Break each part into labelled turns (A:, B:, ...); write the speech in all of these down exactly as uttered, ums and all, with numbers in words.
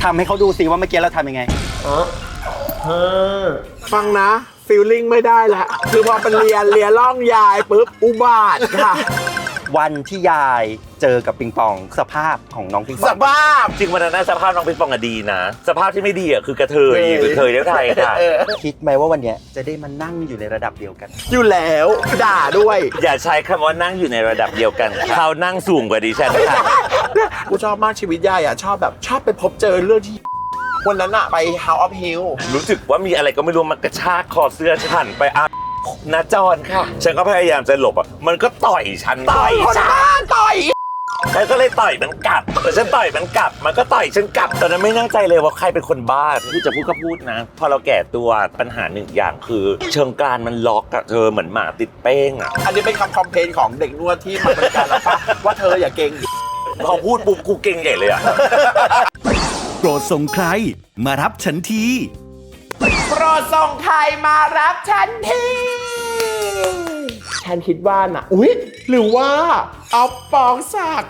A: ทำให้เขาดูสิว่าเมื่อกี้เราทำยังไงเออ
B: เออฟังนะฟีลลิ่งไม่ได้แล้วคือพอเป็นเรียนเรียนล่องยายปุ๊บอุบาทค่ะ
A: วันที่ยายเจอกับปิงปองสภาพของน้องปิงปอง
B: สภาพ
C: จริงวันนั้นสภาพน้องปิงปองอะดีนะสภาพที่ไม่ดีอะคือกระเทยกระเทยเลี้ยงไทยค่ะ
A: คิดไหมว่าวันนี้จะได้มานั่งอยู่ในระดับเดียวกัน
B: อยู่แล้วด่าด้วย
C: อย่าใช้คำว่านั่งอยู่ในระดับเดียวกันเขานั่งสูงกว่าดิฉันค่ะ
B: กูชอบมากชีวิตยายอะชอบแบบชอบไปพบเจอเรื่องที่วันนั้นอะไป House of Hill
C: รู้สึกว่ามีอะไรก็ไม่รู้มันกระชากคอเสื้อฉันไปอ่ะนาจรค่ะฉันก็พยายามจะหลบอ่ะมันก็ต่อยฉัน
B: ต่อยฉันต่อย
C: ฉันก็เลยต่อยมันกลับแต่ฉันต่อยมันกลับมันก็ต่อยฉันกลับตอนนั้นไม่แน่ใจเลยว่าใครเป็นคนบ้าพูดจะพูดก็พูดนะพอเราแก่ตัวปัญหาหนึ่งอย่างคือเชิงกรานมันล็อกอะเธอเหมือนหมาติดเป้งอะ
B: อันนี้เป็นคำคอมเพลนของเด็กนวดที่มาบริการเราปะว่าเธออย่าเก่ง
C: พอพูดปุ๊บกูเก่งใหญ่เลยอะ
D: โปรดส่งใครมารับฉันที
B: โปรดส่งใครมารับฉันทีฉันคิดว่าน่ะอุ๊ยหรือว่าเอาปองศักดิ์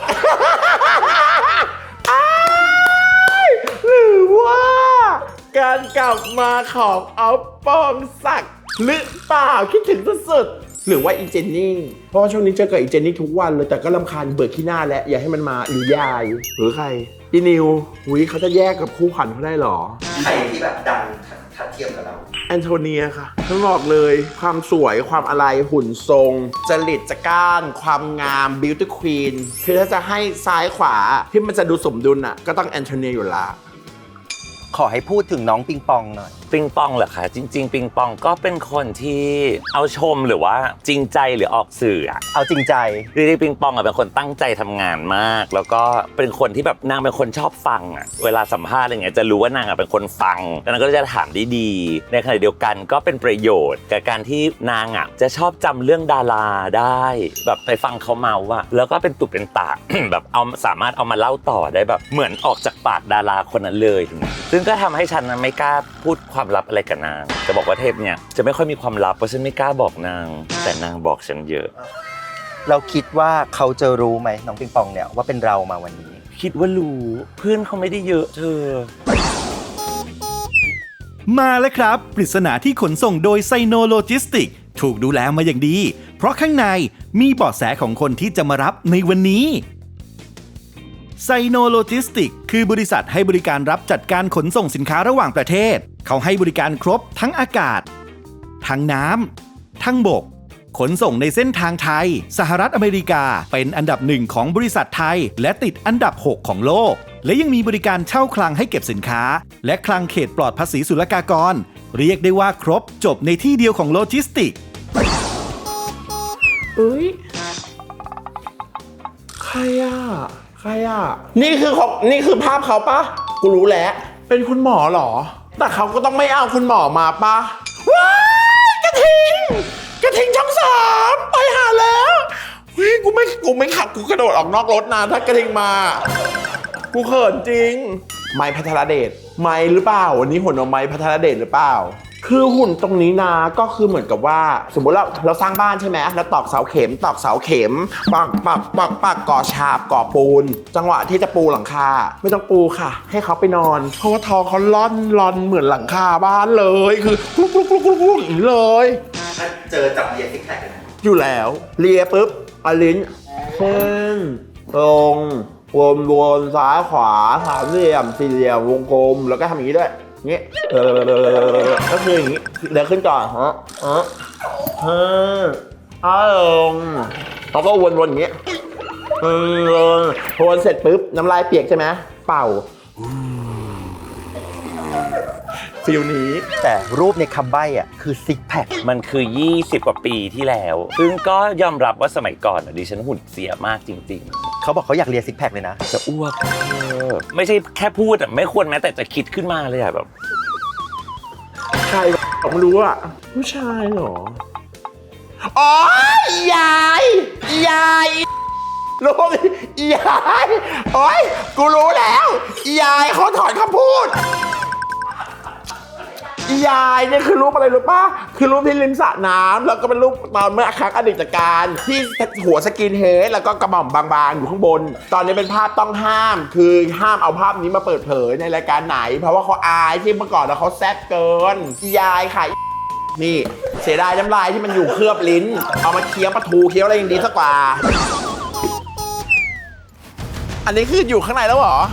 B: หรือว่าการกลับมาของเอาปองศักดิ์หรือเปล่าคิดถึงสุดๆหรือว่าอีเจนนี่เพราะว่าช่วงนี้เจอกับอีเจนนี่ทุกวันเลยแต่ก็รำคาญเบื่อขี้หน้าแล้วอย่าให้มันมาหรือยายหรือใครอีนิวอุ๊ยเขาจะแยกกับคู่ขวัญเขาได้หรอ
A: ใครที่แบบดังทัดเทียมกับเรา
B: แอนโทเนียค่ะต้องบอกเลยความสวยความอะไรหุ่นทรงจริตจักร้านความงามบิวตี้ควีนคือถ้าจะให้ซ้ายขวาที่มันจะดูสมดุลอ่ะก็ต้องแอนโทเนียอยู่ละ
A: ขอให้พูดถึงน้องปิงปองหน่อย
C: ปิงปองเหรอคะจริงๆปิงปองก็เป็นคนที่เอาชมหรือว่าจริงใจหรือออกสื่ออะ
A: เอาจริงใจ
C: จริงๆปิงปองอะเป็นคนตั้งใจทำงานมากแล้วก็เป็นคนที่แบบนางเป็นคนชอบฟังอะเวลาสัมภาษณ์อะไรเงี้ยจะรู้ว่านางอะเป็นคนฟังแล้วนางก็จะถามดีๆในขณะเดียวกันก็เป็นประโยชน์กับการที่นางอะจะชอบจำเรื่องดาราได้แบบไปฟังเขาเมาว่าแล้วก็เป็นตุเป็นตา แบบเอาสามารถเอามาเล่าต่อได้แบบเหมือนออกจากปากดาราคนนั้นเลยซึ่งก็ทำให้ฉันไม่กล้าพูดความลับอะไรกับนางจะบอกว่าเทปเนี่ยจะไม่ค่อยมีความลับเพราะฉันไม่กล้าบอกนางแต่นางบอกฉันเยอะ
A: เราคิดว่าเขาจะรู้ไหมน้องปิงปองเนี่ยว่าเป็นเรามาวันนี้
C: คิดว่ารู้เพื่อนเขาไม่ได้เยอะเธอ
D: มาแล้วครับปริศนาที่ขนส่งโดยไซโนโลจิสติกถูกดูแลมาอย่างดีเพราะข้างในมีเบาะแสของคนที่จะมารับในวันนี้ไซโนโลจิสติกคือบริษัทให้บริการรับจัดการขนส่งสินค้าระหว่างประเทศเขาให้บริการครบทั้งอากาศทั้งน้ำทั้งบกขนส่งในเส้นทางไทยสหรัฐอเมริกาเป็นอันดับหนึ่งของบริษัทไทยและติดอันดับหกของโลกและยังมีบริการเช่าคลังให้เก็บสินค้าและคลังเขตปลอดภาษีศุลกากรเรียกได้ว่าครบจบในที่เดียวของโลจิสติก
B: เอ้ยใครอ่ะใครอ่ะนี่คือของนี่คือภาพเขาปะกูรู้แล้วเป็นคุณหมอเหรอแต่เขาก็ต้องไม่เอาคุณหมอมาปะว้ายกระทิงกระทิงช่องสามไปหาแล้วเฮ้ยกูไม่กูไม่ขับกูกระโดดออกนอกรถนะถ้ากระทิงมากูเขินจริงไม้พัทรเดชไม้หรือเปล่าวันนี้หุ่นเอาไม้พัทรเดชหรือเปล่าคือหุ่นตรงนี้นะก็คือเหมือนกับว่าสมมติเราเราสร้างบ้านใช่ไหมแล้วตอกเสาเข็มตอกเสาเข็มปักปักปักปักก่อฉาบก่อปูนจังหวะที่จะปูหลังคาไม่ต้องปูค่ะให้เขาไปนอนเพราะว่าทองเขาล่อนล่อนเหมือนหลังคาบ้านเลยคือลุกลุกลุกลุกลุกอย่างนี้เลย
A: ถ้าเจอจับเลียซิกแพคเลยนะ
B: อยู่แล้วเลียปุ๊บอลิ้นเส้นตรงวนวนซ้ายขวาสามเหลี่ยมสี่เหลี่ยมวงกลมแล้วก็ทำอย่างนี้ด้วยงี้เออก็คืออย่างนี้เดี๋ยวขึ้นก่อนฮะฮะฮะอ้าวลงแล้วก็วนๆอย่างนี้เออวนเสร็จปุ๊บน้ำลายเปียกใช่ไหมเป่าฟิลนี้
A: แต่รูปในคำใบ้อ่ะคือซิกแพค
C: มันคือยี่สิบกว่าปีที่แล้วซึ่งก็ยอมรับว่าสมัยก่อนดิฉันหุ่นเสียมากจริงๆ
A: เขาบอกเขาอยากเรียนซิกแพคเลยนะ
C: จะอ้วกไม่ใช่แค่พูดอ่ะไม่ควรแม้แต่จะคิดขึ้นมาเลยอ่ะแบบ
B: ใครผมรู้อ่ะผู้ชายเหรออ๋อยายยายรู้ยายโอ๊ยกูรู้แล้วยายเขาถอนคำพูดอียายเนี่ยคือรูปอะไรรู้ป่ะคือรูปที่ริมสระน้ำแล้วก็เป็นรูปตอนเมื่อครั้งอดีตการที่หัวสกินเฮดแล้วก็กระหม่อมบางๆอยู่ข้างบนตอนนี้เป็นภาพต้องห้ามคือห้ามเอาภาพนี้มาเปิดเผยในรายการไหนเพราะว่าเขาอายที่เมื่อก่อนแล้วเขาแซ่บเกินอียายค่ะนี่เสียดายน้ำลายที่มันอยู่เคลือบลิ้นเอามาเคี้ยวปลาทูเคี้ยวอะไรยังดีสักกว่าอันนี้คืออยู่ข้างในแล้วเหรอ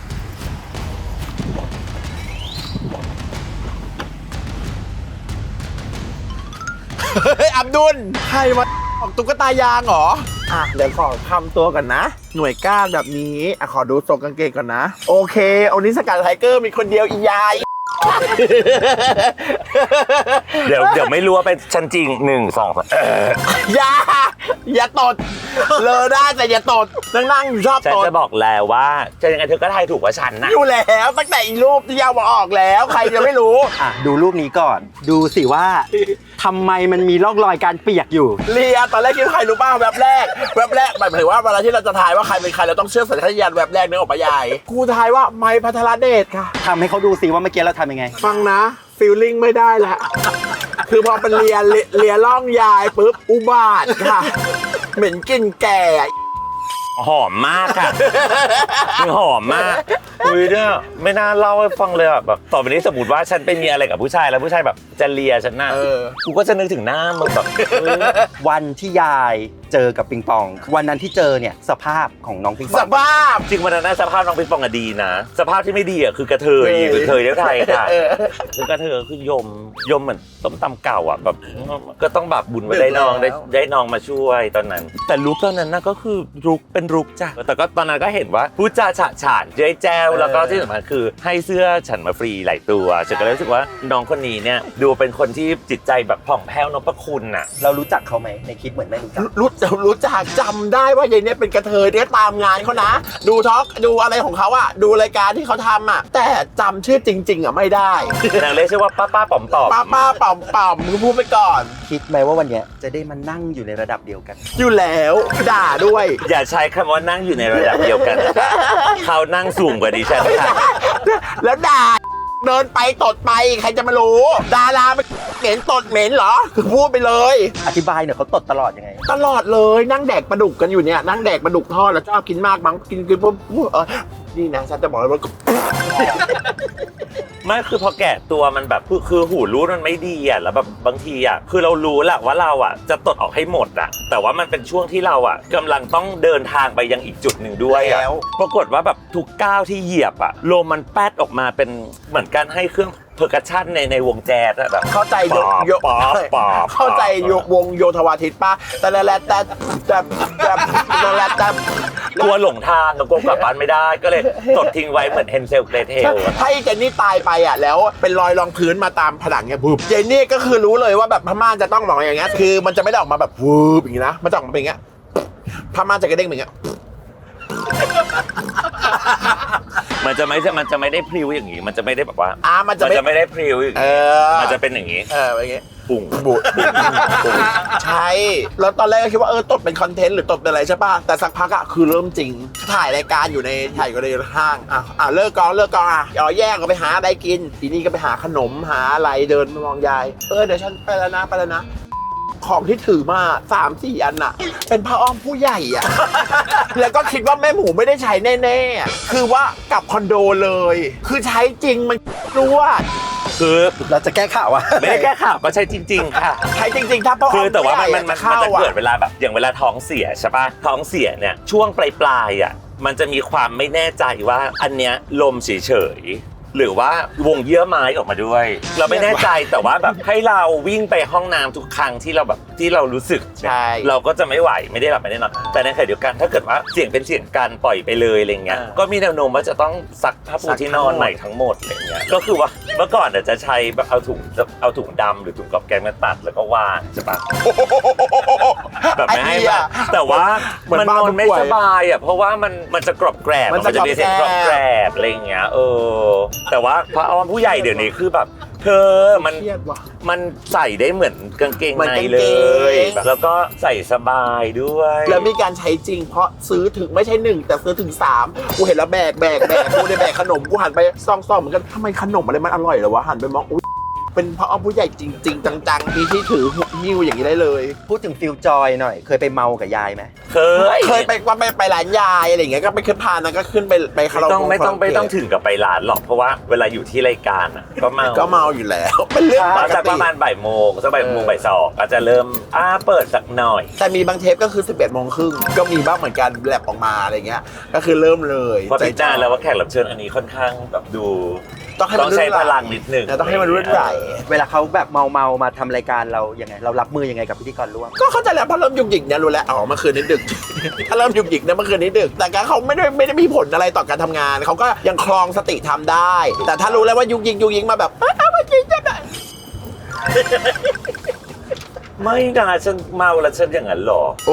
B: เฮ้ยอับดุลใครมาออกตุ๊กตายางเหรออ่ะเดี๋ยวขอทำตัวก่อนนะ หน่วยก้านแบบนี้อ่ะขอดูทรงกางเกงก่อนนะโอเคโอนิสกัดไทเกอร์มีคนเดียวอียาย
C: เดี๋ยวเดี๋ยวไม่รู้ว่าเป็นฉันจริงหนึ่งสองสาม
B: อย่าอย่าตดเลอได้แต่อย่าตดนั่งนั่งอยู่ชอบ
C: ฉัน
B: ตด
C: จะบอกแล้วว่าจะยังไงเธอก็ทายถูกว่าฉันนะ
B: อยู่แล้วตั้งแต่อีรูปที่ยาวมาออกแล้วใครจะไม่รู้
A: อ่ะดูรูปนี้ก่อน ดูสิว่าทำไมมันมีร่องรอยการเปียกอยู่
B: เลียตอนแรกคิดว่าใครรู้ป่ะแวบแรกแวบแรกหมายถึงว่าเวลาที่เราจะทายว่าใครเป็นใครเราต้องเชื่อสัญชาตญาณแวบแรกนึกออกปะยายกูทายว่าไมค์พัทรเดชค่ะ
A: ทำให้เขาดูสิว่าเมื่อกี้เราทำยังไง
B: ฟังนะฟีลลิ่งไม่ได้แล้วคือพอเป็นเลียเลียเลียร่องยายปุ๊บอุบาทค่ะเหม็นกลิ่นแก่
C: หอมมากค่ะมันหอมมากอุ้ยเนี่ยไม่น่าเล่าให้ฟังเลยอ่ะแบบต่อไปนี้สมมติว่าฉันไปมีอะไรกับผู้ชายแล้วผู้ชายแบบจะเลียฉันน่ะ
B: เออ
C: กูก็จะนึกถึงหน้ามึงแบบเออ
A: วันที่ยายเจอกับปิงปอง วันนั้นที่เจอเนี่ยสภาพของน้องปิงป
B: ส
A: อง
B: ภาพ
C: จริงวันนั้นนะสภาพน้องปิงปองอะดีนะสภาพที่ไม่ดีอ่ะคือกระเทยหรือกระเทยเลี้ยวไทยค่ะ
B: เออ
C: คือกระเทยคือยมยมเหมือนต้มตำเก่าอ่ะแบบก็ต้องแบบบุญไว้ได้น้องได้ได้น้องมาช่วยตอนนั้น แต่ลุกตอนนั้นนะก็คือลุกเป็นลุกจ้ะแต่ก็ตอนนั้นก็เห็นว่าพูดจาฉะฉานเจ๊แจ้วแล้วก็ที่สำคัญคือให้เสื้อฉันมาฟรีหลายตัวฉันก็เลยรู้สึกว่าน้องคนนี้เนี่ยดูเป็นคนที่จิตใจแบบผ่องแผ้วนพคุณน่ะ
A: เรารู้จักเขาไหมในคลิปเหมือนไม่รู้จัก
B: รู้รู้จักจำได้ว่ายายเนี่ยเป็นกระเทยเนี่ยตามงานเขานะ ดูท็อกดูอะไรของเขาอะดูรายการที่เขาทำอะแต่จำชื่อจริง ๆอะไม่ได้
C: นางเรียกชื่อว่าป้าป้าป๋อมป๋อม
B: ป้าป้าเป่าเป่ามึงพูดไปก่อน
A: คิดไหมว่าวันเนี้ยจะได้มานั่งอยู่ในระดับเดียวกัน
B: อยู่แล้วด่าด้วย
C: อย่าใช้คำว่านั่งอยู่ในระดับเดียวกันนะคะเขานั่งสูงกว่าดิฉันค่ะ
B: แล้วด่าเดินไปตดไปใครจะมารู้ ดารามันเหม็นตดเหม็นเหรอคือพูดไปเลย
A: อธิบายหน่อยเขาตดตลอดยังไง
B: ตลอดเลยนั่งแดกปลาดุกกันอยู่เนี่ยนั่งแดกปลาดุกทอดแล้วชอบกินมากมั้งกินกินปุ๊บเออนี่นะฉันจะบอกเลยว่า
C: ไม่คือพอแก่ตัวมันแบบคือคือหูรูดมันไม่ดีอ่ะแล้วแบบบางทีอ่ะคือเรารู้แหละว่าเราอ่ะจะตดออกให้หมดอ่ะแต่ว่ามันเป็นช่วงที่เราอ่ะกำลังต้องเดินทางไปยังอีกจุดหนึ่งด้วยอ่ะ
A: แล้ว
C: ปรากฏว่าแบบทุกก้าวที่เหยียบอ่ะลมมันแป๊ดออกมาเป็นเหมือนการให้เครื่องเพอร์คัชชั่นในในวงแจ๊สอะแบบ
B: เข้าใจโยโย
C: ป๊อปป๊อป
B: เข้าใจโยวงโยธวาทิตป่ะแต่ละแต่แต่แต่แต่แต่ละแต่
C: กลัวหลงทางกลัวกลับบ้านไม่ได้ก็เลยตดทิ้งไว้เหมือนเฮนเซลเกรเทล
B: ถ้าไอ้เจนนี่ตายไปอ่ะแล้วเป็นรอยรองพื้นมาตามผนังเนี่ยปุ๊บเจนนี่ก็คือรู้เลยว่าแบบพม่านจะต้องมองอย่างเงี้ยคือมันจะไม่ได้ออกมาแบบวืบอย่างงี้นะมันจะออกมาเป็นอย่างเงี้ยพม่านจะกระเด้งอย่างเงี้ย
C: มันจะไม่มันจะไม่ได้พริ้วอย่างนี้มันจะไม่ได้แบบว่า
B: อ่ามันจะ
C: มันจะไม่ได้พริ้วอย่าง
B: เอ
C: นี้
B: อ
C: มันจะเป็นอย่างนี้
B: เอออย่างเงี้ย
C: ปุ่ง
B: บุดใช่แล้วตอนแรกก็คิดว่าเออตดเป็นคอนเทนต์หรือตดเป็นอะไรใช่ป่ะแต่สักพักอะคือเริ่มจริงถ่ายรายการอยู่ในถ่ายอยู่ในห้างอ่ะอ่ะเลิกกองเลิกกองอ่ะอ๋อแยกก็ไปหาอะไรกินทีนี้ก็ไปหาขนมหาอะไรเดินมองยายเออเดี๋ยวฉันไปแล้วนะไปแล้วนะของที่ถือมาสามสี่อันอะเป็นผ้าอ้อมผู้ใหญ่อะ แล้วก็คิดว่าแม่หมูไม่ได้ใช้แน่ๆอะคือว่ากลับคอนโดเลย คือใช้จริงมันรู้ว่า
C: คือ
A: เราจะแก้ข่าวว่า
C: ไม่ได้แก้ข่าวก็ใช่จริง ๆ ค่ะ
B: ใช้จริงๆถ้าผ้าอ้อม
C: คือแต่ว่ามัน
B: ผู้ใหญ่
C: มันมัน
B: เข้า
C: จะ
B: อะ
C: เกิดเวลาแบบอย่างเวลาท้องเสียใช่ปะท้องเสียเนี่ยช่วงปลายปลายๆอ่ะมันจะมีความไม่แน่ใจว่าอันเนี้ยลมเฉยๆหรือว่าวงเยื่อไม้ออกมาด้วย เราไม่แน่ใจแต่ว่าแบบให้เราวิ่งไปห้องน้ำทุกครั้งที่เราแบบที่เรารู้สึก
B: ใช่
C: เราก็จะไม่ไหวไม่ได้หลับไม่ได้นอนแต่ในขณะเดียวกันถ้าเกิดว่าเสี่ยงเป็นเสี่ยงการปล่อยไปเลยอะไรเงี้ยก็มีแนวโน้มว่าจะต้องซักผ้าปูที่นอนใหม่ทั้งหมดอะไรเงี้ยก็คือว่าเมื่อก่อนเนี่ยจะใช้แบบเอาถุงเอาถุงดำหรือถุงกอบแกงมาตัดแล้วก็วางใช่ปะ แบบไม่ให้แบบแต่ว่ามันนอนไม่สบายอ่ะเพราะว่ามันมันจะกรอบแกรบ
B: มัน
C: มัน
B: จะ
C: จะมีเสียงกรอบแกรบอะไรอย่างเงี้ยเออแต่ว่าพระอ้อมผู้ใหญ่เดี๋ยวนี้คือแบบเธอมัน
B: เครียดว่ะ
C: มันใส่ได้เหมือนกางเกง
B: เหมือน
C: ใน
B: กางเกง
C: เลยแล้วก็ใส่สบายด้วย
B: แล้วมีการใช้จริงเพราะซื้อถึงไม่ใช่หนึ่งแต่ซื้อถึงสามกูเห็นแล้วแบกแบกแบกกูได้แบกขนมกูหันไปซ่องๆเหมือนกันทำไมขนมอะไรมันอร่อยเหรอวะหันไปมองอุ๊ยเป็นพ่อผู้ใหญ่จริง ๆ จังๆที่ที่ถือหิ้วอย่างนี้ได้เลย
A: พูดถึงฟิลจอยหน่อย เคยไปเมากับยายไหม
C: เคย
B: เคยไปว่าไปไปร้านยายอะไรอย่างเงี้ยก็ไปขึ้นพานนะก็ขึ้นไปไปคารา
C: ไม่
B: โอ
C: ต้อง
B: เกะ
C: ไม่ต้องไม่ต้องถึงกับไปร้านหรอกเพราะว่าเวลาอยู่ที่รายการอ่ะก็เมา
B: ก็เมาอยู่แล้วเป็นเรื่องป
C: ก็
B: ก
C: จะป
B: ติ
C: ระมาณบ่ายโมงสักบ่ายโมง
B: เออ
C: บ่ายสองก็จะเริ่มอ้าเปิดสักหน่อย
B: แต่มีบางเทปก็คือสิบเอ็ดโมงครึ่งก็มีบ้างเหมือนกันแลบออกมาอะไรเงี้ยก็คือเริ่มเลย
C: เพราะพิจารณาแล้วว่าแขกรับเชิญอันนี้ค่อนข้างแบบดู
B: ต้องให้
C: ต้
B: มั
C: อน งใช้พลังนิดหนึง
B: ต้องให้มันรุ่นใหญ่
A: เวลาเขาแบบเมาเมาๆมาทำรายการเรายังไง เรารับมือยังไงกับพิธีกรร่วม
B: ก็เข้าใจแล้วเพราะเริ่มยุกหยิกเนี่ยรู้แล้วอ๋อเมื่อคืนนี้ดึก ถ้าเริ่มยุกหยิกเนี่ยเมื่อคืนนี้ดึก แต่ก็เขาไม่ได้ไม่ได้มีผลอะไรต่อการทำงานเขาก็ยังคลองสติทำได้ แต่ถ้ารู้แล้วว่ายุกหยิกยุกหยิกมาแบบเอ้าเมื่อกี้จะแบบ
C: ไม่นะฉันเมาแล้วฉันอย่างนั้นหรอ
B: โอ้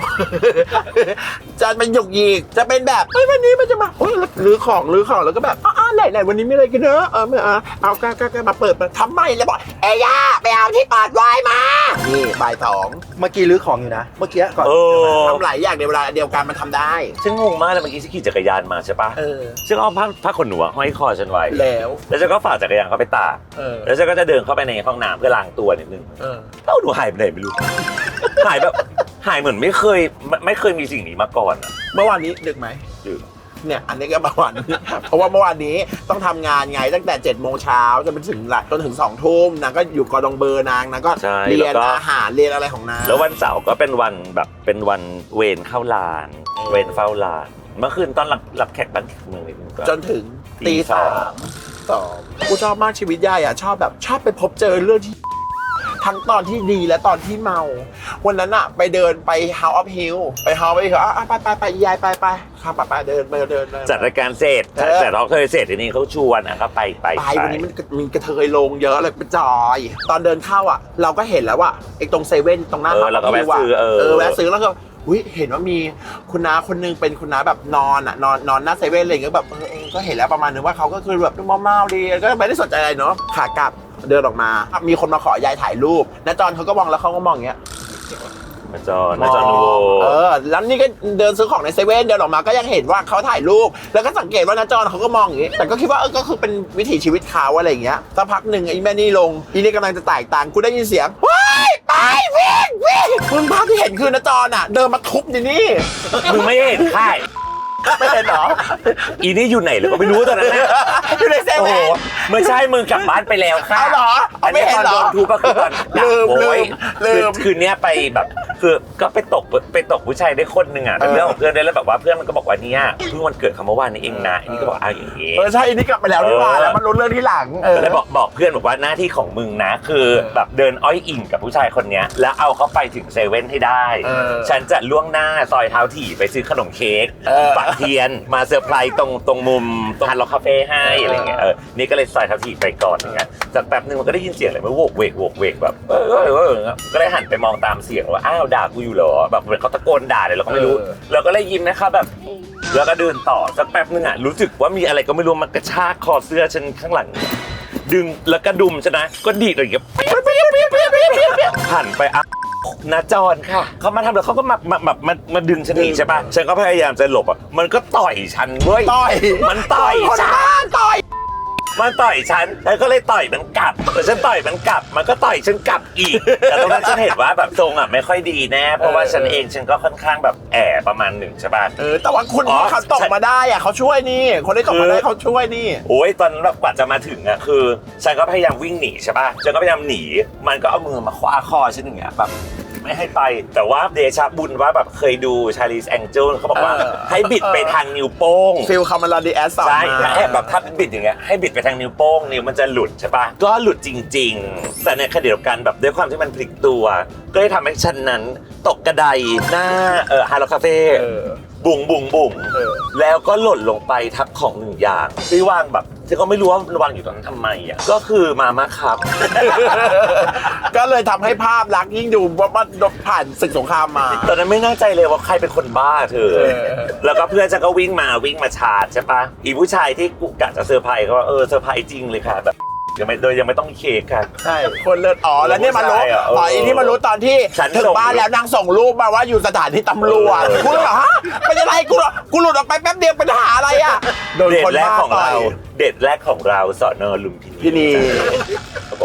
B: จะเป็นหยกหยิกจะเป็นแบบเฮ้ยวันนี้มันจะมาเฮ้ยรื้อของรื้อของแล้วก็แบบอ้าวไหนไหนวันนี้มีอะไรกันเนอะเออไม่เอาเอาก็ก็ก็มาเปิดมาทำไมแล้วบอกเอ้ยย่าไปเอาที่เปิดไวน์มานี่บ่ายสอง
A: เมื่อกี้รื้อของอยู่นะ เมื่อกี้ก่อน
C: เออ
B: ทำหลายอย่างในเวลาเดียวกันมันทำได้
C: ฉันงงมากเลยเมื่อกี้ฉันขี่จักรยานมาใช่ปะ
B: เออ
C: ฉันเอาผ้าผ้าขนหนูอะห้อยคอฉันไว้
B: แล้ว
C: แล้วฉันก็ฝากจักรยานเข้าไปตาก
B: เออ
C: แล้วฉันก็จะเดินเข้าไปในห้องน้ำเพื่อล้างตัวนิดนึง
B: เออ
C: เอ้าหนูหายไปไหนไม่รู้ หายแบบหายเหมือนไม่เคยไม่ไม่เคยมีสิ่งนี้มาก่อนอะ
B: เมื่อวานนี้ดึกไหม
C: ดึก
B: เนี่ยอันนี้ก็เมื่อวานนี้ เพราะว่าเมื่อวานนี้ต้องทำงานไงตั้งแต่7จ็ดโมงเช้าจนไปถึงหลักจนถึงสองทุ่มนางก็อยู่กอดองเบอร์นางนางก็
C: ใช่
B: เรียน
C: แล้วก็
B: อาหารเรียนอะไรของนาง
C: แล้ววันเสาร์ก็เป็นวันแบบเป็นวันเวรเข้าลาน
B: เออ
C: เวรเฝ้าลานเมื่อคืนตอนรับรับแขกบ้านแขกเมืองนิดนึงก็
B: จนถึง
C: ตี
B: ตี
C: ส
B: สา
C: อง
B: มสองกูชอบมากชีวิตยายอ่ะชอบแบบชอบไปพบเจอเรื่องที่ ทั้งตอนที่ดีและตอนที่เมา วันนั้นอะไปเดินไป House of Hill ไป House of Hill อ่ะไปไปไปยายไปไปครับไปไปเดินไปเดิน
C: จัดรายการเสร็จ
B: เออ
C: แต่เราเคยเสร็จทีนี้เขาชวนอ่ะก็ไปไป
B: ไปวันนี้มันมีกระเทยลงเยอะเลยไปจอย ตอนเดินเข้าอ่ะ เราก็เห็นแล้วว่าไอ้ตรงเซเว่นตรงหน้า
C: เออเราก็แวะซื้อเออ
B: เออแวะซื้อแล้วก็อุ้ยเห็นว่ามีคุณน้าคนนึงเป็นคุณน้าแบบนอนอ่ะนอนนอนหน้าเซเว่นอะไรอย่างเงี้ยแบบเออเออก็เห็นแล้วประมาณนึงว่าเขาก็คือแบบเมาๆดีก็ไม่ได้สนใจอะไรเนาะขากลับเดินออกมา มีคนมาขอยายถ่ายรูปน้าจอนเขาก็มองแล้วเขาก็มองอย่างเงี้ย
C: มาจอนมาจอนนูโว
B: เออแล้วนี่ก็เดินซื้อของในเซเว่นเดินออกมาก็ยังเห็นว่าเขาถ่ายรูป แล้วก็สังเกตว่าน้าจอนเขาก็มองอย่างงี้แต่ก็คิดว่าเออก็คือเป็นวิถีชีวิตเขาอะไรอย่างเงี้ยสักพักหนึ่งไอ้แม่นี่ลงอีนี่กำลังจะแตกต่างกูได้ยินเสียงว้ายไปวิ่งวิ่งมึงภาพที่เห็นคือน้าจอนอ่ะ เดินมาทุบอยู่นี่
C: มึงไม่เห็นค่าย
B: ไม่เห็นเหรอ
C: อีนี่อยู่ไหนหรือก็ไม่รู้ตอนนั้นน่ะ
B: อยู่ในเซ
C: โอ้โห
B: เว่น
C: ไม่ใช่มึงกลับบ้านไปแล้วค่ะ
B: เอาเหรอเอาไม่เห็นเหรอ
C: ตอนโดนทุบก็คือตอน
B: ลืม
C: โอ้ย
B: ลืม
C: คือคืนเนี้ยไปแบบคือก็ไปตกไปตกผู้ชายได้คนหนึ่งอ่ะเป็น
B: เออ
C: เรื่องของเพื่อนได้แล้วแบบว่าเพื่อนมันก็บอกว่าเนี่ยเพิ่งวันเกิดเขาเมื่อวานนี้เองนะอันนี้ก็บอกอ้าวอย่างงี้
B: เออใช่อันนี้กลับไปแล้วนี่หว่า
C: เออ
B: แล้วมันรู้เรื่องที่หลังเออ
C: ก็เลยบอกบอกเพื่อนบอกว่าหน้าที่ของมึงนะ คือแบบเดินอ้อยอิงกับผู้ชายคนเนี้ยแล้วเอาเขาไปถึงเซเว่นให้ได้
B: เออ
C: ฉันจะล่วงหน้าซอยเท้าถี่ไปซื้อขนมเค้ก
B: เออ
C: ปักเทียนมาเซอร์ไพรส์ตรงตรงมุมตรงฮันล็อกคาเฟ่ให้อะไรเงี้ยเออนี่ก็เลยซอยเท้าถี่ไปก่อนอย่างเงี้ยจากแป๊บนึงมันก็ได้ยินเสียงอะไรมันโวกเวกโวกเวกแบบเออเออเออก็เลยหันไปมองตามเสียงว่าอ้าวด่ากูอยู่เหรอแบบเหมือนเขาตะโกนด่าเลยเราก็ไม่รู้เราก็เลยยิ้มนะครับแบบแล้วก็เดินต่อสักแป๊บนึงอ่ะรู้สึกว่ามีอะไรก็ไม่รู้มันกระชากคอเสื้อฉันข้างหลัง ดึงแล้วก็ดุมชนะก็ดีดอะไรอย่างเงี้ยหันไปอ่ะนาจรค่ะเขามาทำแล้วเขาก็มามาแบบมามาดึงฉันหนีใช่ป่ะฉันก็พยายามจะหลบอ่ะมันก็ต่อยฉันเว้ย
B: ต่อย
C: มันต่อย
B: คน
C: ฉัน
B: บ้าต่อย
C: มันต่อยฉันแล้วก็เลยต่อยมันกลับแต่ฉันต่อยมันกลับ มันก็ต่อยฉันกลับอีก แต่ตรงนั้นฉันเห็นว่าแบบทรงอ่ะไม่ค่อยดีแน่เพราะว่าฉันเองฉันก็ค่อนข้างแบบแอบประมาณหนึ่งใช่ป่ะ
B: เออแต่ว่าคุณ
C: อ๋อ
B: เขาตกมาได้อะเขาช่วยนี่ คนที่ตกมาได้เขาช่วยนี่
C: โอ้ยตอนนั้นแบบกว่าจะมาถึงอ่ะคือฉันก็พยายามวิ่งหนีใช่ป่ะฉันก็พยายามหนีมันก็เอามือมาคว้าคอฉันอย่างเงี้ยแบบไม่ให้ไปแต่ว่าเดชะบุญว่าแบบเคยดูชาลีสแองเจิลเขาบอกว่า
B: เออ
C: ให้บิดไปทางนิ้วโป้ง
B: ฟิลคาร์มาลาดีแอสสอน
C: ใช่
B: มา
C: ให้แบบถ้าบิดอย่างเงี้ยให้บิดไปทางนิ้วโป้งนิ้วมันจะหลุดใช่ป่ะก็หลุดจริง ๆ แต่ในขณะเดียวกันแบบด้วยความที่มันพลิกตัว ก็เลยทำให้ฉันนั้นตกกระไดหน้าเออฮาร์โลคาเฟ่
B: เออ
C: บุ๋งบุ๋งบุ๋ง
B: เออ
C: แล้วก็หล่นลงไปทับของหนึ่งอย่างที่วางแบบที่เขาไม่รู้ว่าวางอยู่ตรงนั้นทำไมอ่ะก็คือมาม่าครับ
B: ก็เลยทำให้ภาพลักษณ์ยิ่งดูว่ามันผ่านศึกสงครามมา
C: ตอนนั้นไม่แน่ใจเลยว่าใครเป็นคนบ้าเธอ
B: เออ
C: แล้วก็เพื่อนฉันก็วิ่งมาวิ่งมาชาร์จใช่ปะอีผู้ชายที่กูกะจะเซอร์ไพรส์เขาว่าเออเซอร์ไพรส์จริงเลยค่ะแบบยังไม่โดยยังไม่ต้องมีเค้กค่ะ
B: ใช่คนเลือดอ๋อแล้วเนี่ยมารู้
C: ใช่อะเออ
B: อ๋ออีนี่มารู้ตอนที่
C: ฉัน
B: ถึง
C: ส่ง
B: บ้านแล้วนางส่งรูปมาว่าอยู่สถานีตำรวจ
C: เออ
B: กูเลยแบบฮะเป็นอะไรกูกูหลุดออกไปแป๊บเดียวเป็นทหารอะไรอ่ะโดน
C: เดท
B: คน
C: แรก
B: บ้า
C: ของ
B: ต่อ
C: เรา
B: ย
C: เดทแรกของเราสอนอลุมพินี
B: พินี
C: เขาบอกว่า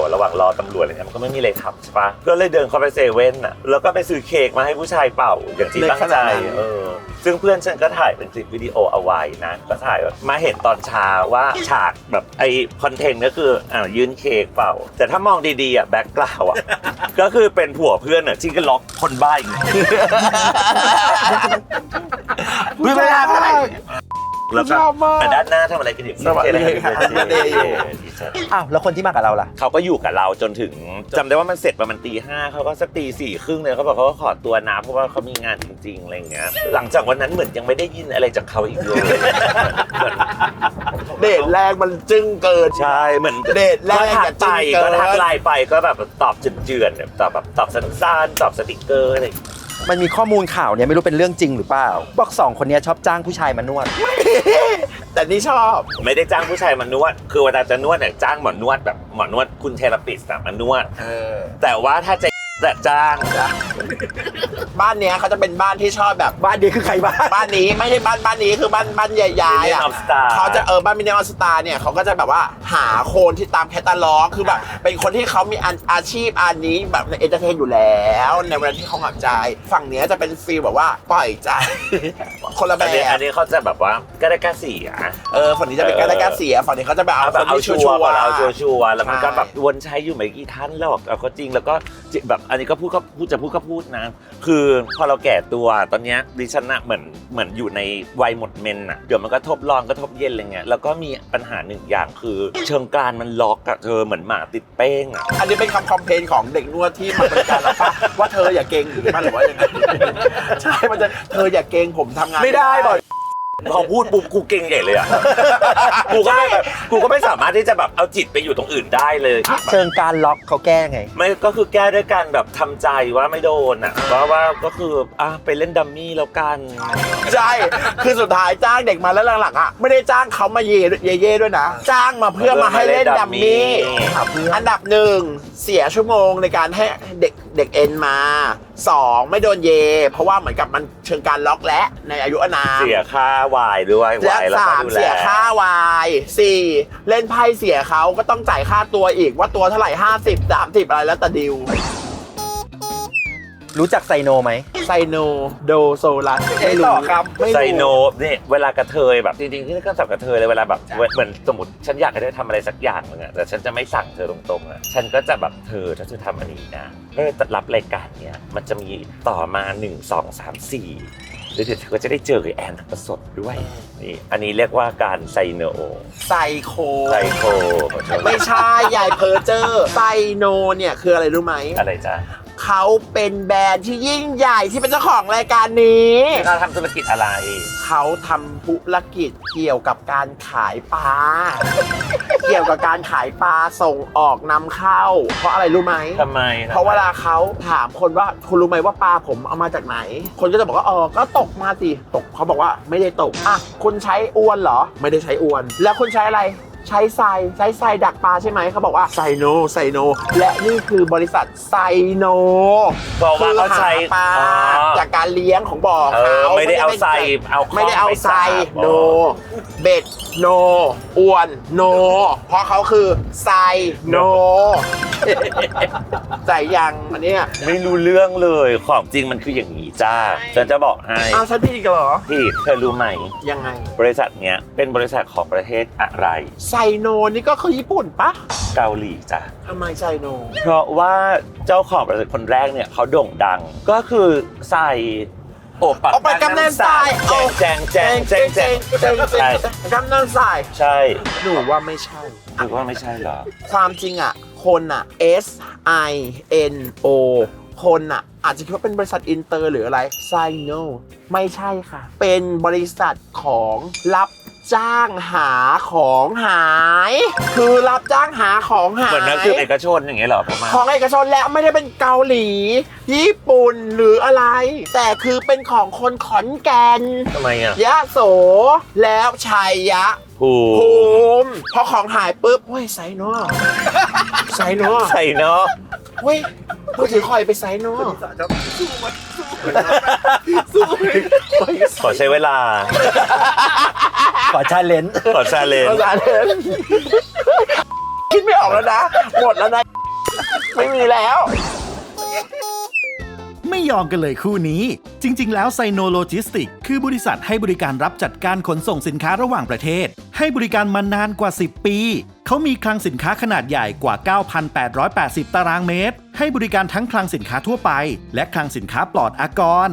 C: ระหว่างรอตำรวจอะไรเงี้ยมันก็ไม่มีอะไรทำใช่ปะก็เลยเดินเข้าไปเซเว่นอ่ะแล้วก็ไปซื้อเค้กมาให้ผู้ชายเป่าอย่างที่ตั้งใจเออซึ่งเพื่อนฉันก็ถ่ายเป็นคลิปวิดีโอเอาไว้นะก็ถ่ายมาเห็นตอนเช้าว่าฉากแบบไอคอนเทนต์ก็คืออ่ายื่นเค้กเป่าแต่ถ้ามองดีๆอ่ะแบ็คกราวด์อ่ะก็คือเป็นผัวเพื่อนอ่ะที่ก็ล็อกคนบ้าอีกไม่ได้อะไรแล้วก็แต่ด้านหน้าทำอะไรกันอยู่
B: สวัสดีค่ะ
A: อ้าวแล้วคนที่มากับเราล่ะ
C: เขาก็อยู่กับเราจนถึงจำได้ว่ามันเสร็จประมาณตีห้าเขาก็สักตีสี่ครึ่งเลยเขาบอกเขาก็ขอตัวนะเพราะว่าเขามีงานจริงๆอะไรอย่างเงี้ยหลังจากวันนั้นเหมือนยังไม่ได้ยินอะไรจากเขาอีกเลย
B: เดทแรกมันจึ้งเกิน
C: ใช่เหมือน
B: เดทแรก
C: ก็ทัก
B: อย่า
C: ไป
B: จิ้มเกิน
C: ก็ทักไลน์ไปก็แบบตอบเจือนๆแบบตอบแบบตอบสั้นๆตอบสติกเกอร์อะไรอย่างเงี้ย
A: มันมีข้อมูลข่าวเนี่ยไม่รู้เป็นเรื่องจริงหรือเปล่าบอกสองคนเนี้ยชอบจ้างผู้ชายมานวด
B: แต่นี่ชอบ
C: ไม่ได้จ้างผู้ชายมานวดคือเวลาจะนวดเนี่ยจ้างหมอนวดแบบหมอนวดคุณเทเลปิสต์มานวด
B: เออ
C: แต่ว่าถ้าจะจะจ้าง
B: บ้านเนี้ยเขาจะเป็นบ้านที่ชอบแบบ
A: บ้านเดียคือใครบ้าน
B: บ้านนี้ไม่ใช่บ้านบ้านนี้คือบ้านบ้านใหญ่ๆอ่ะ
C: Million of Star
B: เขาจะเออบ้านมินเนอร์สตาร์เนี่ยเขาก็จะแบบว่าหาคนที่ตามแคตตาล็อกคือแบบเป็นคนที่เขามีอาอาชีพอันนี้แบบในเอนเตอร์เทนอยู่แล้วในเวลาที่เขาหักใจฝั่งเนี้ยจะเป็นฟีลแบบว่าปล่อยใจ คนละแบ
C: อันนี้อั
B: บ
C: นนี้เขาจะแบบว่าก็ได้กล้าเสีย
B: เออฝั่งนี้จะเป็นการได้การเสียฝั่งนี้เขาจะแบบเอา
C: เอา
B: ค
C: แบบ
B: น
C: เอา
B: ที่
C: ชั
B: ชั
C: ว
B: ว
C: ร์
B: ร์
C: ก่อนเอาชัวร์ชัวร์แล้วมันก็
B: ใช่
C: แบบวนใช้อยู่ไม่กี่ท่านหรอกเอาก็จริงแล้วก็แบบอันนี้ก็พูดก็พูดจะพูดก็พูดนะ คือพอเราแก่ตัวตอนเนี้ยดิฉันน่ะเหมือนเหมือนอยู่ในวัยหมดเมนน่ะเดี๋ยวมันก็ทบร้อนก็ทบเย็นอะไรเงี้ยแล้วก็มีปัญหาหนึ่งอย่างคือเชิงกรานมันล็อกอะเธอเหมือนหมาติดเป้งอะ
B: อันนี้เป็นคำคอมเพลนของเด็กนวดที่มาบริการเราปะว่าเธออย่าเก่งหรือมันหรือว่าอย่างไรใช่มันจะเธออย่าเก่งผมทำงาน
A: ไม่ได้บอก
C: พอพูดปุ๊บกูเก่งใหญ่เลยอ่ะ กูก็ไม่แบบกูก็ไม่สามารถที่จะแบบเอาจิตไปอยู่ตรงอื่นได้เลย
A: เชิงการล็อกเขาแก้ไง
C: ไม่ก็คือแก้ด้วยการแบบทำใจว่าไม่โดนอ่ะว่าว่าก็คืออ่ะไปเล่นดัมมี่แล้วกัน
B: ใช่คือสุดท้ายจ้างเด็กมาแล้วหลังๆอ่ะไม่ได้จ้างเขามาเย่เย่เย่ด้วยนะ จ้างมาเพื่อมาให้เล่นดัมมี่ อันดับหนึ่งเสียชั่วโมงในการให้เด็กเด็กเอ็นมาสองไม่โดนเย เพราะว่าเหมือนกับมันเชิงการล็อกและในอายุอานาม
C: เสียค่าวายด้วย
B: และ
C: วายแล้ว
B: สา
C: ก็
B: ม
C: ดูแล
B: เสียค่าวายสี่เล่นไพ่เสียเขาก็ต้องจ่ายค่าตัวอีกว่าตัวเท่าไหร่ห้าสิบ สามสิบอะไรแล้วแต่ดิว
A: รู้จักไซโนไหม
B: ไซโนโดโซลัส
A: ไม่ต่อครับ
B: ไม่รู้
C: ไซโนนี่เวลากระเทยแบบจริงๆที่นี่ก็สับกระเทยเลยเวลาแบบเหมือนสมมติฉันอยากให้เธอทำอะไรสักอย่างนึงอะแต่ฉันจะไม่สั่งเธอตรงๆอะฉันก็จะแบบเธอถ้าเธอทำอันนี้นะเธอจะรับรายการเนี้ยมันจะมีต่อมาหนึ่งสองสามสี่แล้วเดี๋ยวเธอก็จะได้เจอกับแอนทองผสมด้วยนี่อันนี้เรียกว่าการไซโน
B: ไซโค
C: ไซโค
B: ไม่ใช่ยายเพอร์เจอร์ไซโนเนี่ยคืออะไรรู้ไหม
C: อะไรจ๊ะ
B: เขาเป็นแบรนด์ที่ยิ่งใหญ่ที่เป็นเจ้าของรายการนี้
C: เขาทำธุรกิจอะไร
B: เขาทำธุรกิจเกี่ยวกับการขายปลา เกี่ยวกับการขายปลาส่งออกนำเข้า เพราะอะไรรู้ไหม
C: ทำไม
B: เพราะเวลาเขาถามคนว่าคุณรู้ไหมว่าปลาผมเอามาจากไหน คนก็จะบอกว่าอ๋อก็ตกมาสิตกเขาบอกว่าไม่ได้ตกอ่ะคุณใช้อวนเหรอไม่ได้ใช้อวน แล้วคุณใช้อะไรใช้ทรายใช้ทรายดักปลาใช่ไหมเขาบอกว่าไซโนไซโนและนี่คือบริษัทไซโน
C: บอกว่าเขาใช้
B: ปลา
C: อ๋อ
B: จากการเลี้ยงของบ่อ
C: เอ
B: เขา
C: อไม่ได้เอาใส่เอาข้อง
B: ไม่ได้เอา
C: ไป
B: ใส่
C: จับ
B: โน
C: อ๋อ
B: เบ็ดโนอวนโนเพราะเขาคือไซโนใจยังอันเนี้ย
C: ไม่รู้เรื่องเลยของจริงมันคืออย่างนี้จ้าฉันจะบอกให้
B: อ้าวฉันผิดกันเหรอ
C: พี่เธอรู้ไหม
B: ยังไง
C: บริษัทเนี้ยเป็นบริษัทของประเทศอะไร
B: ไซโนนี่ก็คือญี่ปุ่นปะ
C: เกาหลีจ้ะ
B: ทำไมไซโน
C: เพราะว่าเจ้าของบริษัทคนแรกเนี่ยเขาโด่งดัง ก็คือใส่โอปัก
B: เอาไปกำนันทราย
C: แจงแจงแจงแจงแจง
B: เจง
C: ใช่
B: กำนันทราย
C: ใช่
B: หนูว่าไม่ใช่
C: หรือว่าไม่ใช่เหรอ
B: ความจริงอ่ะ คนอ่ะ S I N O คนอ่ะ อาจจะคิดว่าเป็นบริษัทอินเตอร์หรืออะไรไซโนไม่ใช่ค่ะ เป็นบริษัทของรับจ้างหาของหาย คือรับจ้างหาของหาย
C: เหมือนนักสืบเอกชนอย่างเงี้ยเหรอประมาณ
B: ของเอกชนแล้วไม่ได้เป็นเกาหลี ญี่ปุ่นหรืออะไร แต่คือเป็นของคนขอนแก่น
C: ทำไมอ่ะ
B: ยะโสแล้วชัยยะ
C: ผู
B: ภูมิพอของหายปุ๊บเฮ้ยไซโนไซโน
C: ใส่เนาะ
B: เฮ้ยมือถือคอยไปไซโน
C: ขอใช้เวลา
A: ขอชาเลนจ์
C: ขอชาเลน
B: ภาษาเดินคิดไม่ออกแล้วนะหมดแล้วนะ ไม่มีแล้ว
D: ไม่ยอมกันเลยคู่นี้ จริง ๆ แล้วไซโนโลจิสติกคือบริษัทให้บริการรับจัดการขนส่งสินค้าระหว่างประเทศ ให้บริการมานานกว่า สิบ ปี เขามีคลังสินค้าขนาดใหญ่กว่า เก้าพันแปดร้อยแปดสิบ ตารางเมตร ให้บริการทั้งคลังสินค้าทั่วไป และคลังสินค้าปลอดอากร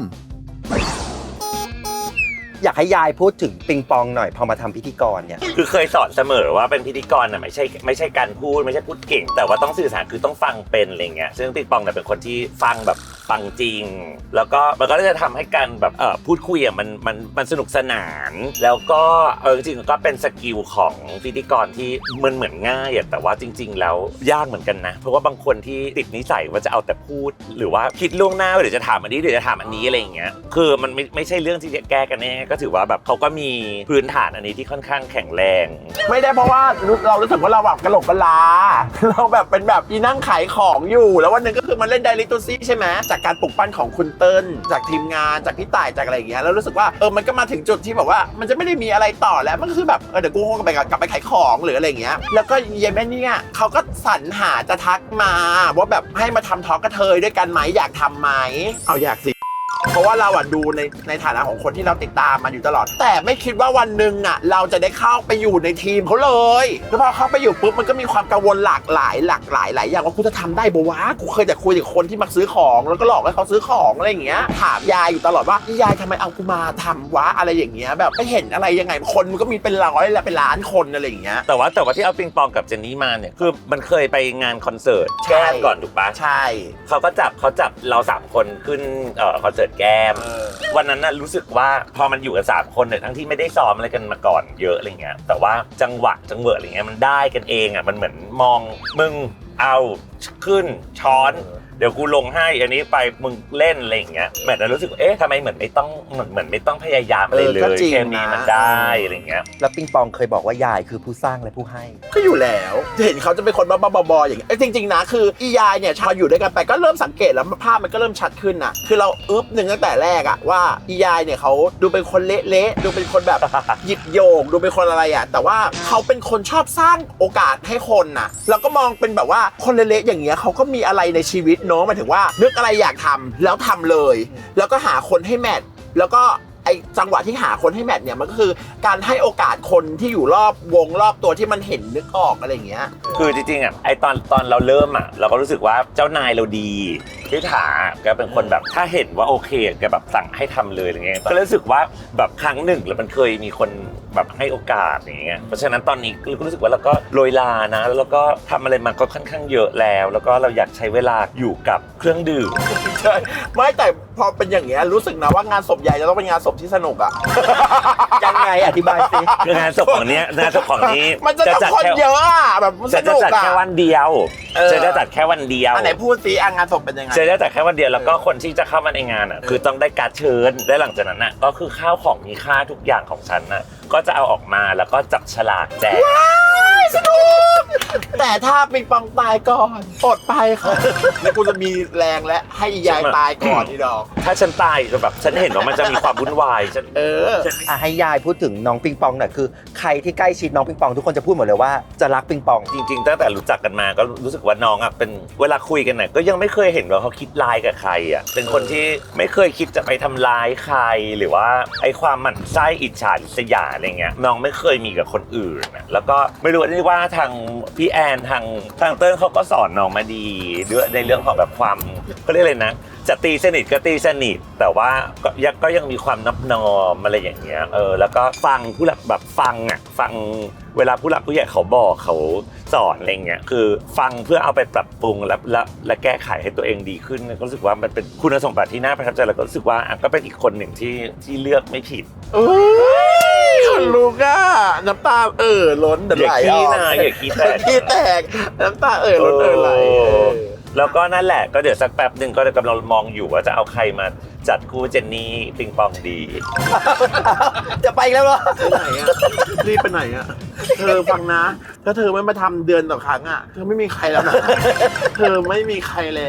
A: อยากให้ยายพูดถึงปิงปองหน่อยพอมาทำพิธีกรเนี่ย
C: คือเคยสอนเสมอว่าเป็นพิธีกรน่ะไม่ใช่ไม่ใช่การพูดไม่ใช่พูดเก่ง แต่ว่าต้องสื่อสารคือต้องฟังเป็นอะไรเงี้ยซึ่งปิงปองเนี่ยเป็นคนที่ฟังแบบฟังจริง แล้วก็มันก็จะทำให้การแบบเออพูดคุยอ่ะมันมันมันสนุกสนาน แล้วก็เออจริงๆก็เป็นสกิลของพิธีกรที่มันเหมือนง่ายอ่ะแต่ว่าจริง ๆ แล้วยากเหมือนกันนะเพราะว่าบางคนที่ติดนิสัยว่าจะเอาแต่พูด หรือว่าคิดล่วงหน้าว่าเดี๋ยวจะถามอันนี้เดี๋ยวจะถามอันนี้อะไรอย่างเงี้ยคือมันไม่ไม่ใช่เรื่องที่จะแก้กันแน่ก็ถือว่าแบบเขาก็มีพื้นฐานอันนี้ที่ค่อนข้างแข็งแรง
B: ไม่ได้เพราะว่าเรารู้สึกว่าเราแบบกระโหลกกะลา เราแบบเป็นแบบอีนั่งขายของอยู่แล้ววันหนึงก็คือมันเล่นไดริตูซี่ใช่ไหมจากการปลุกปั้นของคุณเติ้ลจากทีมงานจากพี่ต่ายจากอะไรอย่างเงี้ยแล้วรู้สึกว่าเออมันก็มาถึงจุดที่แบบว่ามันจะไม่ได้มีอะไรต่อแล้วมันก็คือแบบเออเดี๋ยวกูคงกลับไปกลับไปขายของหรืออะไรอย่างเงี้ยแล้วก็เยแม่เนี่ยเขาก็สรรหาจะทักมาว่าแบบให้มาทำทอล์กกระเทยด้วยกันไหมอยากทำไหมเอาอยากสิเพราะว่าเราอะดูในในฐานะของคนที่เราติดตามมันอยู่ตลอดแต่ไม่คิดว่าวันหนึ่งอะเราจะได้เข้าไปอยู่ในทีมเขาเลยแล้วพอเข้าไปอยู่ปุ๊บมันก็มีความกังวลหลากหลายหลากหลายหลายอย่างว่ากูจะทำได้บ่วะกูเคยแต่คุยกับคนที่มาซื้อของแล้วก็หลอกให้เขาซื้อของอะไรอย่างเงี้ยถามยายอยู่ตลอดว่ายายทำไมเอากูมาทำวะอะไรอย่างเงี้ยแบบไม่เห็นอะไรยังไงคนมันก็มีเป็นร้อยและเป็นล้านคนอะไรอย่างเงี้ย
C: แต่ว่าแต่ว่าที่เอาปิงปองกับเจนนี่มาเนี่ยคือมันเคยไปงานคอนเสิร์ต
B: ใช่
C: แก้มก่อนถูกปะ
B: ใช่
C: เขาก็จับเขาจับเราสามคนขึ้นเอ่อคอนเสิร์ตแก้ม
B: เออ
C: วันนั้นน่ะรู้สึกว่าพอมันอยู่กันสามคนเนี่ยทั้งที่ไม่ได้ซ้อมอะไรกันมาก่อนเยอะอะไรเงี้ยแต่ว่าจังหวะจังหวะอะไรเงี้ยมันได้กันเองอ่ะมันเหมือนมองมึงเอาขึ้นช้อนเดี๋ยวกูลงให้อันนี้ไปมึงเล่นอะไรอย่างเงี้ยแมทนั้นรู้สึกเอ๊ะทำไมเหมือนไม่ต้องเหมือนเหมือนไม่ต้องพยายามอะไรเล
B: เออก็
C: ย
B: จริง
C: แค่นี้
B: นะ
C: มันได้อะไรเงี้ย
A: แล้วปิงปองเคยบอกว่ายายคือผู้สร้างและผู้ให้
B: ก็อยู่แล้วเห็นเขาจะเป็นคนบ้าๆบอๆอย่างเงี้ยเอ้ยจริงๆนะคืออียายเนี่ยพออยู่ด้วยกันไปก็เริ่มสังเกตแล้วภาพมันก็เริ่มชัดขึ้นน่ะคือเราอึ๊บหนึ่งตั้งแต่แรกอะว่าอียายเนี่ยเขาดูเป็นคนเละๆดูเป็นคนแบบ หยิบโยงดูเป็นคนอะไรอะแต่ว่าเขาเป็นคนชอบสร้างโอกาสให้คนน่ะเราก็มองเป็นแบบว่าคนเละๆอย่างเงี้ยเขาก็มีอะไรในชีวิตเนาะหมายถึงว่านึกอะไรอยากทำแล้วทำเลย แล้วก็หาคนให้แมทแล้วก็ไอจังหวะที่หาคนให้แมทเนี่ยมันก็คือการให้โอกาสคนที่อยู่รอบวงรอบตัวที่มันเห็นนึกออกอะไรอย่างเงี้ย
C: คือจริงๆอ่ะไอตอนตอนเราเริ่มอ่ะเราก็รู้สึกว่าเจ้านายเราดีพี่ถาแกเป็นคนแบบถ้าเห็นว่าโอเคแกแบบสั่งให้ทำเลยอะไรเงี้ยก็รู้สึกว่าแบบครั้งหนึ่งแล้วมันเคยมีคนแบบให้โอกาสอย่างเงี้ยเพราะฉะนั้นตอนนี้ก็รู้สึกว่าเราก็โรยลานะแล้วก็ทำอะไรมาก็ค่อนข้างเยอะแล้ว แล้วก็เราอยากใช้เวลาอยู่กับเครื่องดื่ม
B: ใช่ไม่แต่พอเป็นอย่างเงี้ยรู้สึกนะว่างานศพใหญ่จะต้องเป็นงานศพที่สนุกอ่ะ
A: ยังไงอธิบายสิ
C: คืองานศพของเนี้ยงานศพของนี้
B: มันจะต้องคนเยอะอ่ะแบบมันส
C: จะจะ
B: นุก
C: จัด
B: อ่ะ
C: แค่วันเดียว
B: เออ
C: จะจะจัดแค่วันเดียว
B: อันไหนพูดซิอ่ะงานศพเป็นยังไง
C: จะได้จัดแค่วันเดียวแล้วก็คนที่จะเข้ามาในงานอ่ะคือต้องได้การ์ดเชิญและหลังจากนั้นอ่ะก็คือข้าวของมีค่าทุกอย่างของฉันน่ะก็จะเอาออกมาแล้วก็จับฉลากแจก
B: สนุกแต่ถ้าปิงปองตายก่อนอดไปค่ะแล้วกูจะมีแรงและให้อียายตายก่อนนี่ดอก
C: ถ้าฉันตายจะแบบฉันเห็นว่ามันจะมีความวุ่นวายฉัน
B: เออ
A: อ่ะให้ยายพูดถึงน้องปิงปองหน่อยคือใครที่ใกล้ชิดน้องปิงปองทุกคนจะพูดหมดเลยว่าจะรักปิงปอง
C: จริงๆตั้งแต่รู้จักกันมาก็รู้สึกว่าน้องอ่ะเป็นเวลาคุยกันน่ะก็ยังไม่เคยเห็นว่าเขาคิดร้ายกับใครอ่ะเป็นคนที่ไม่เคยคิดจะไปทำร้ายใครหรือว่าไอ้ความหมั่นไส้อิจฉาริษยาอะไรเงี้ยน้องไม่เคยมีกับคนอื่นนะแล้วก็ไม่รู้นี่ว่าทางพี่แอนทางทางเติ้ลเขาก็สอนน้องมาดีด้วยในเรื่องของแบบความเขาเรียกอะไรนะจะตีสนิทก็ตีสนิทแต่ว่าก็ยังก็ยังมีความนับนอมอะไรอย่างเงี้ยเออแล้วก็ฟังผู้หลักแบบฟังอ่ะฟังเวลาผู้หลักผู้ใหญ่เขาบอกเขาสอนอะไรเงี้ยคือฟังเพื่อเอาไปปรับปรุงและและและแก้ไขให้ตัวเองดีขึ้นก็รู้สึกว่ามันเป็นคุณสมบัติที่น่าประทับใจแล้วก็รู้สึกว่าอ่ะก็เป็นอีกคนหนึ่งที่ที่เลือกไม่ผิด
B: โอ้ยคนลูกอ่ะน้ำตาเออล้นเดือด
C: อย่า
B: ไหล
C: ขี้
B: ออก
C: นะอย่าขี้แตก
B: ขี้แตกน้ำตาเออล้นเออไหลเออ
C: แล้วก็นั่นแหละก็เดี๋ยวสักแป๊บหนึ่งก็กำลังมองอยู่ว่าจะเอาใครมาจัดคู่เจนนี่ปิงปองดี
A: จะไปอีกแล้วเหรอ
B: ไปไหนอ่ะรีบไปไหนอ่ะเธอฟังนะถ้าเธอไม่มาทำเดือนต่อครั้งอ่ะเธอไม่มีใครแล้วนะเธอไม่มีใครแล้ว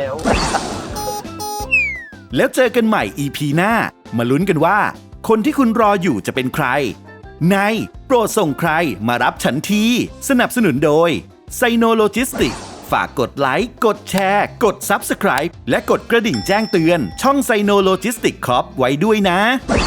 D: แล้วเจอกันใหม่ อี พี หน้ามาลุ้นกันว่า คนที่คุณรออยู่จะเป็นใคร ในโปรดส่งใครมารับฉันทีสนับสนุนโดยไซโนโลจิสติกฝากกดไลค์ กดแชร์ กด Subscribe และกดกระดิ่งแจ้งเตือน ช่องไซโนโลจิสติกคอร์ปไว้ด้วยนะ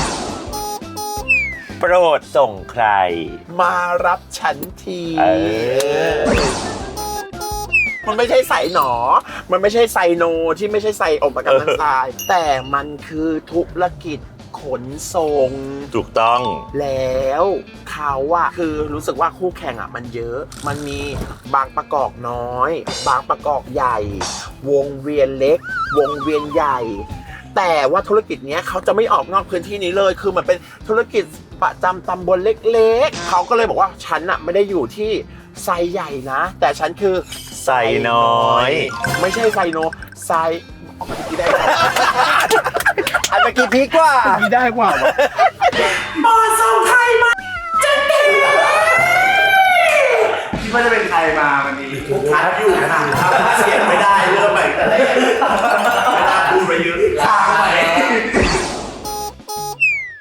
C: โปรดส่งใคร
B: มารับฉันที
C: เออ
B: มันไม่ใช่ไซหนอ มันไม่ใช่ไซโนที่ไม่ใช่ไซองค์ประกอบทางซ้าย แต่มันคือธุรกิจขนส่ง
C: ถูกต้อง
B: แล้วเขาอะคือรู้สึกว่าคู่แข่งอะมันเยอะ มันมีบางประกอบน้อย บางประกอบใหญ่ วงเวียนเล็ก วงเวียนใหญ่ แต่ว่าธุรกิจเนี้ยเขาจะไม่ออกนอกพื้นที่นี้เลย คือมันเป็นธุรกิจประจำตำบลเล็กๆ เขาก็เลยบอกว่าฉันอะไม่ได้อยู่ที่ไซใหญ่นะ แต่ฉันคือ
C: ไซน้อย
B: ไม่ใช่ไซโนไซอ๋อที่ได้
A: อันเมื่อกี้พีกกว่า
B: ที่ได้กว่า
E: บอส